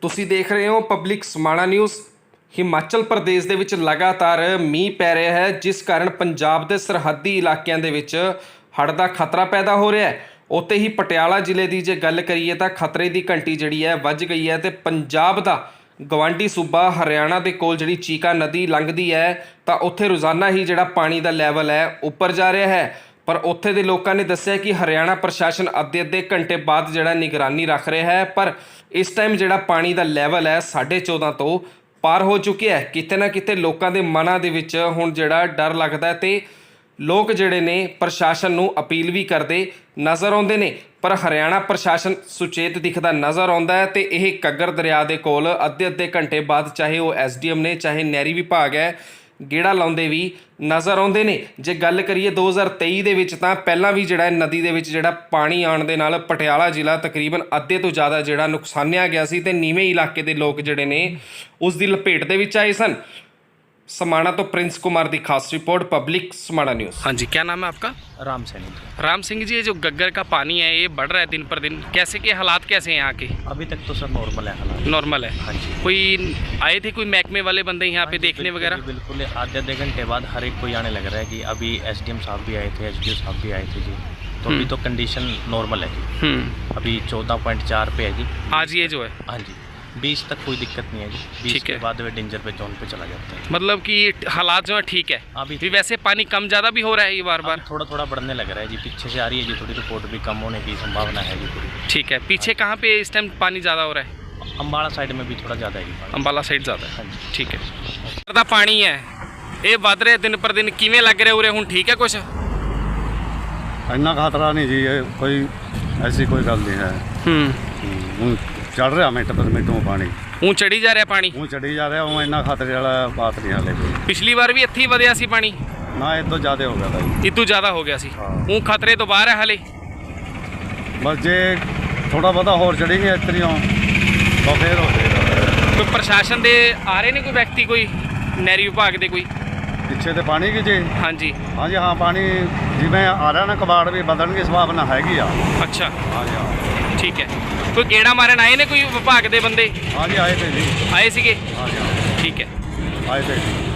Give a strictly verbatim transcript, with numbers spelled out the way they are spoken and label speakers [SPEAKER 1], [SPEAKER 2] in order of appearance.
[SPEAKER 1] ਤੁਸੀਂ ਦੇਖ ਰਹੇ ਹੋ ਪਬਲਿਕ ਸਮਾਣਾ ਨਿਊਜ਼। ਹਿਮਾਚਲ ਪ੍ਰਦੇਸ਼ ਦੇ ਵਿੱਚ ਲਗਾਤਾਰ ਮੀਂਹ ਪੈ ਰਿਹਾ ਹੈ, ਜਿਸ ਕਾਰਨ ਪੰਜਾਬ ਦੇ ਸਰਹੱਦੀ ਇਲਾਕਿਆਂ ਦੇ ਵਿੱਚ ਹੜ੍ਹ ਦਾ ਖਤਰਾ ਪੈਦਾ ਹੋ ਰਿਹਾ ਹੈ। ਉੱਥੇ ਹੀ ਪਟਿਆਲਾ ਜ਼ਿਲ੍ਹੇ ਦੀ ਜੇ ਗੱਲ ਕਰੀਏ ਤਾਂ ਖਤਰੇ ਦੀ ਘੰਟੀ ਜਿਹੜੀ ਹੈ ਵੱਜ ਗਈ ਹੈ ਤੇ ਪੰਜਾਬ ਦਾ ਗਵਾਂਢੀ ਸੂਬਾ ਹਰਿਆਣਾ ਦੇ ਕੋਲ ਜਿਹੜੀ ਚੀਕਾ ਨਦੀ ਲੰਘਦੀ ਹੈ ਤਾਂ ਉੱਥੇ ਰੋਜ਼ਾਨਾ ਹੀ ਜਿਹੜਾ ਪਾਣੀ ਦਾ ਲੈਵਲ ਹੈ ਉੱਪਰ ਜਾ ਰਿਹਾ ਹੈ। ਪਰ ਉੱਥੇ ਦੇ ਲੋਕਾਂ ਨੇ ਦੱਸਿਆ ਕਿ ਹਰਿਆਣਾ ਪ੍ਰਸ਼ਾਸਨ ਅੱਧੇ ਅੱਧੇ ਘੰਟੇ ਬਾਅਦ ਜਿਹੜਾ ਨਿਗਰਾਨੀ ਰੱਖ ਰਿਹਾ ਹੈ, ਪਰ ਇਸ ਟਾਈਮ ਜਿਹੜਾ ਪਾਣੀ ਦਾ ਲੈਵਲ ਹੈ ਸਾਢੇ ਚੌਦਾਂ ਤੋਂ ਪਾਰ ਹੋ ਚੁੱਕਿਆ ਹੈ। ਕਿਤੇ ਨਾ ਕਿਤੇ ਲੋਕਾਂ ਦੇ ਮਨਾਂ ਦੇ ਵਿੱਚ ਹੁਣ ਜਿਹੜਾ ਡਰ ਲੱਗਦਾ ਹੈ ਤੇ ਲੋਕ ਜਿਹੜੇ ਨੇ ਪ੍ਰਸ਼ਾਸਨ ਨੂੰ ਅਪੀਲ ਵੀ ਕਰਦੇ ਨਜ਼ਰ ਆਉਂਦੇ ਨੇ, ਪਰ ਹਰਿਆਣਾ ਪ੍ਰਸ਼ਾਸਨ ਸੁਚੇਤ ਦਿਖਦਾ ਨਜ਼ਰ ਆਉਂਦਾ ਹੈ ਤੇ ਇਹ ਕੱਗਰ ਦਰਿਆ ਦੇ ਕੋਲ ਅੱਧੇ ਅੱਧੇ ਘੰਟੇ ਬਾਅਦ ਚਾਹੇ ਉਹ ਐਸ ਡੀ ਐਮ ਨੇ ਚਾਹੇ ਨਹਿਰੀ ਵਿਭਾਗ ਹੈ ਗੇੜਾ ਲਾਉਂਦੇ ਵੀ ਨਜ਼ਰ ਆਉਂਦੇ ਨੇ। ਜੇ ਗੱਲ ਕਰੀਏ ਦੋ ਹਜ਼ਾਰ ਤੇਈ ਦੇ ਵਿੱਚ ਤਾਂ ਪਹਿਲਾਂ ਵੀ ਜਿਹੜਾ ਨਦੀ ਦੇ ਵਿੱਚ ਜਿਹੜਾ ਪਾਣੀ ਆਉਣ ਦੇ ਨਾਲ ਪਟਿਆਲਾ ਜ਼ਿਲ੍ਹਾ ਤਕਰੀਬਨ ਅੱਧੇ ਤੋਂ ਜ਼ਿਆਦਾ ਜਿਹੜਾ ਨੁਕਸਾਨਿਆ ਗਿਆ ਸੀ ਤੇ ਨੀਵੇਂ ਇਲਾਕੇ ਦੇ ਲੋਕ ਜਿਹੜੇ ਨੇ ਉਸ ਦੀ ਲਪੇਟ ਦੇ ਵਿੱਚ ਆਏ ਸਨ। समाणा तो प्रिंस कुमार की खास रिपोर्ट पब्लिक समाणा न्यूज़। हाँ जी, क्या नाम है आपका?
[SPEAKER 2] राम सैनी।
[SPEAKER 1] राम सिंह जी, ये जो गग्गर का पानी है ये बढ़ रहा है दिन पर दिन, कैसे के हालात कैसे हैं यहाँ के?
[SPEAKER 2] अभी तक तो सर नॉर्मल है हालात।
[SPEAKER 1] नॉर्मल है।
[SPEAKER 2] हाँ जी।
[SPEAKER 1] कोई आए थे कोई महकमे वाले बंदे यहाँ पे देखने वगैरह?
[SPEAKER 2] बिल्कुल, आधे आधे घंटे बाद हर एक कोई आने लग रहा है कि अभी एस डी एम साहब भी आए थे, एच डी ओ साहब भी आए थे जी। तो अभी तो कंडीशन नॉर्मल है जी। अभी चौदह पॉइंट चार पे है जी
[SPEAKER 1] आज ये जो है।
[SPEAKER 2] हाँ जी, बीस तक कोई दिक्कत नहीं है जी। बीस के बाद वे डेंजर पे जोन पे चला जाता है।
[SPEAKER 1] मतलब कि हालात जो है ठीक है
[SPEAKER 2] अभी
[SPEAKER 1] भी। वैसे पानी कम ज़्यादा भी हो रहा है ये बार बार?
[SPEAKER 2] थोड़ा थोड़ा बढ़ने लग रहा है जी, पीछे से आ रही है जी थोड़ी रिपोर्ट भी कम होने की संभावना है जी पूरी।
[SPEAKER 1] ठीक है, पीछे कहाँ पे इस टाइम पानी ज़्यादा हो रहा है?
[SPEAKER 2] अम्बाला साइड में भी थोड़ा ज़्यादा है जी।
[SPEAKER 1] अंबाला साइड ज़्यादा है।
[SPEAKER 2] हाँ जी।
[SPEAKER 1] ठीक है। ਦਾ ਪਾਣੀ ਹੈ ਇਹ ਵੱਧ ਰਿਹਾ ਦਿਨ ਪਰ ਦਿਨ, ਕਿਵੇਂ ਲੱਗ ਰਿਹਾ ਉਰੇ ਹੁਣ? ਠੀਕ ਹੈ ਕੁਛ?
[SPEAKER 3] ਇੰਨਾ ਖਤਰਾ ਨਹੀਂ ਜੀ, ਇਹ ਕੋਈ ਐਸੀ ਕੋਈ ਗੱਲ ਨਹੀਂ ਹੈ। ਹੂੰ ਚੜ ਰਿਹਾ ਮਿੰਟ ਪਰ ਮਿੰਟੋਂ ਪਾਣੀ,
[SPEAKER 1] ਉਹ ਚੜੀ ਜਾ ਰਿਹਾ ਪਾਣੀ,
[SPEAKER 3] ਉਹ ਚੜੀ ਜਾ ਰਿਹਾ। ਉਹ ਇੰਨਾ ਖਤਰੇ ਵਾਲਾ ਬਾਤ ਨਹੀਂ ਹਾਲੇ ਕੋਈ।
[SPEAKER 1] ਪਿਛਲੀ ਵਾਰ ਵੀ ਇੱਥੇ ਹੀ ਵਧਿਆ ਸੀ ਪਾਣੀ?
[SPEAKER 3] ਨਾ ਇਹ ਤੋਂ ਜ਼ਿਆਦਾ ਹੋ ਗਿਆ ਤਾਂ ਜੀ।
[SPEAKER 1] ਇਹ ਤੋਂ ਜ਼ਿਆਦਾ ਹੋ ਗਿਆ ਸੀ। ਉਹ ਖਤਰੇ ਤੋਂ ਬਾਹਰ ਹੈ ਹਾਲੇ?
[SPEAKER 3] ਬਸ ਜੇ ਥੋੜਾ ਬਹੁਤਾ ਹੋਰ ਚੜੀ ਗਿਆ ਇਤਰੀਆਂ ਤਾਂ ਫੇਰ ਹੋ ਜਾਏਗਾ।
[SPEAKER 1] ਕੋਈ ਪ੍ਰਸ਼ਾਸਨ ਦੇ ਆ ਰਹੇ ਨੇ ਕੋਈ ਵਿਅਕਤੀ, ਕੋਈ ਨਹਿਰੀ ਵਿਭਾਗ ਦੇ ਕੋਈ
[SPEAKER 3] ਪਿੱਛੇ ਤੇ ਪਾਣੀ ਕੀ ਜੀ?
[SPEAKER 1] ਹਾਂਜੀ
[SPEAKER 3] ਹਾਂਜੀ ਹਾਂ, ਪਾਣੀ ਜਿਵੇਂ ਆ ਰਿਹਾ ਨਾ ਕਬਾੜ ਵੀ ਬਦਲਣ ਦੀ ਸੰਭਾਵਨਾ ਹੈਗੀ ਆ।
[SPEAKER 1] ਅੱਛਾ,
[SPEAKER 3] ਹਾਂਜੀ ਹਾਂ।
[SPEAKER 1] ਠੀਕ ਹੈ। ਕੋਈ ਗੇੜਾ ਮਾਰਨ ਆਏ ਨੇ ਕੋਈ ਵਿਭਾਗ ਦੇ ਬੰਦੇ?
[SPEAKER 3] ਹਾਂਜੀ ਆਏ ਤੇ ਜੀ।
[SPEAKER 1] ਆਏ ਸੀਗੇ?
[SPEAKER 3] ਹਾਂਜੀ ਹਾਂ
[SPEAKER 1] ਠੀਕ ਹੈ।
[SPEAKER 3] ਆਏ ਤੇ ਜੀ।